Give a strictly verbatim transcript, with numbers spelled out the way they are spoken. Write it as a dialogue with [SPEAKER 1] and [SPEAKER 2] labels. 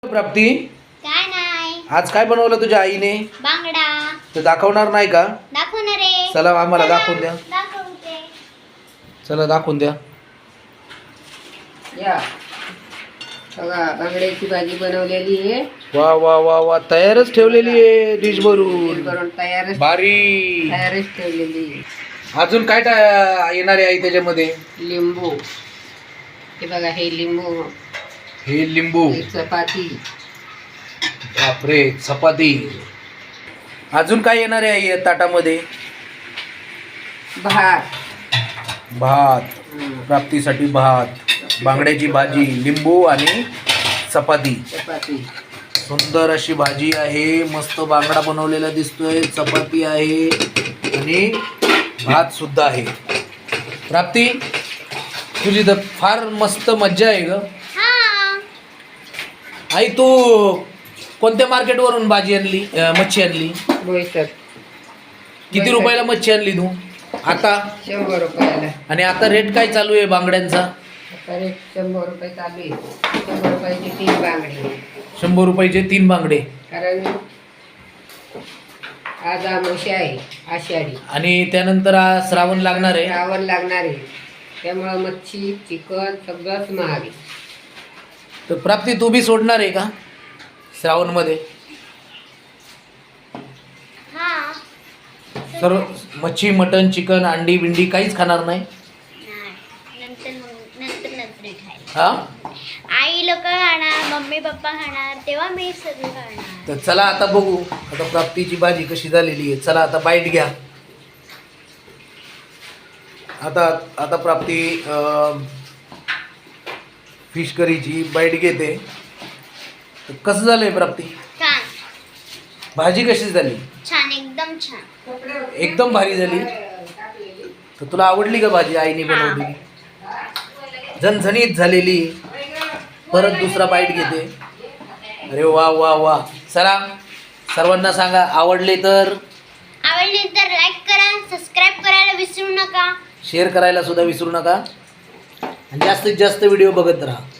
[SPEAKER 1] प्राप्ती
[SPEAKER 2] काय नाही.
[SPEAKER 1] आज काय बनवलं तुझ्या आईने?
[SPEAKER 2] बांगडा.
[SPEAKER 1] ते दाखवणार नाही का?
[SPEAKER 2] दाखवणार आहे.
[SPEAKER 1] चला आम्हाला दाखवून द्या.
[SPEAKER 2] दाखवते.
[SPEAKER 1] चला दाखवून द्या.
[SPEAKER 3] या बघा बांगड्याची भाजी बनवलेली आहे.
[SPEAKER 1] वा वा वा वा तयारच ठेवलेली आहे डिश भरून.
[SPEAKER 3] करून तयारच
[SPEAKER 1] भारी.
[SPEAKER 3] तयारच ठेवलेली आहे.
[SPEAKER 1] अजून काय टा- येणार आहे आई त्याच्यामध्ये?
[SPEAKER 3] लिंबू. हे बघा हे लिंबू.
[SPEAKER 1] हे लिंबू.
[SPEAKER 3] ही चपाती.
[SPEAKER 1] बापरे चपाती. अजून काय येणार आहे आई या ताटामध्ये?
[SPEAKER 3] भात.
[SPEAKER 1] भात.
[SPEAKER 3] हं,
[SPEAKER 1] प्राप्तीसाठी भात, बांगड्याची भाजी, लिंबू आणि चपाती.
[SPEAKER 3] चपाती.
[SPEAKER 1] सुंदर अशी भाजी आहे. मस्त बांगडा बनवलेला दिसतोय. चपाती आहे आणि भात सुद्धा आहे. प्राप्ती तुझी तर फार मस्त मज्जा आहे ग.
[SPEAKER 2] हा.
[SPEAKER 1] आई तू कोणत्या मार्केटवरून भाजी आणली, अं, मच्छी आणली?
[SPEAKER 3] बोईसर.
[SPEAKER 1] किती रुपयाला मच्छी आणली तू आता?
[SPEAKER 3] शंभर रुपयाला.
[SPEAKER 1] आणि आता रेट काय चालू आहे बांगड्यांचा?
[SPEAKER 3] आता रेट शंभर रुपये चालू आहे. शंभर रुपयाची तीन बांगडी.
[SPEAKER 1] शंभर रुपयाचे तीन बांगडे.
[SPEAKER 3] कारण आज आमोशी आहे आषाढी.
[SPEAKER 1] आणि त्यानंतर आज श्रावण लागणार आहे.
[SPEAKER 3] श्रावण लागणार आहे त्यामुळं मच्छी चिकन सगळंच महाग आहे.
[SPEAKER 1] तर प्राप्ती तू बी सोडणार आहे का श्रावणमध्ये?
[SPEAKER 2] हा.
[SPEAKER 1] सर्व मच्छी, मटन, चिकन, अंडी बिंडी काहीच खाणार नाही?
[SPEAKER 2] नाही. नंतर मग- नंतर नंतर खायला.
[SPEAKER 1] हा.
[SPEAKER 2] आई लोक खाणार, मम्मी पप्पा खाणार, तेव्हा मी सगळं खाणार.
[SPEAKER 1] तर चला आता बघू आता प्राप्तीची भाजी कशी झालेली आहे. चला आता बाईट घ्या. आता आता प्राप्ती फिश करीची बाईट घेते. तर कसं झालंय प्राप्ती?
[SPEAKER 2] छान.
[SPEAKER 1] भाजी कशी झाली?
[SPEAKER 2] छान एकदम छान.
[SPEAKER 1] एकदम भारी झाली. तर तुला आवडली का भाजी आईने बनवलेली? झणझणीत झालेली. परत दुसरा बाईट घेते. अरे वा वा वा. चला सर्वांना सांगा आवडले तर
[SPEAKER 2] आवडली तर लाईक करा, सबस्क्राईब करायला विसरू नका.
[SPEAKER 1] शेअर करायला सुद्धा विसरू नका आणि जास्तीत जास्त व्हिडिओ बघत राहा.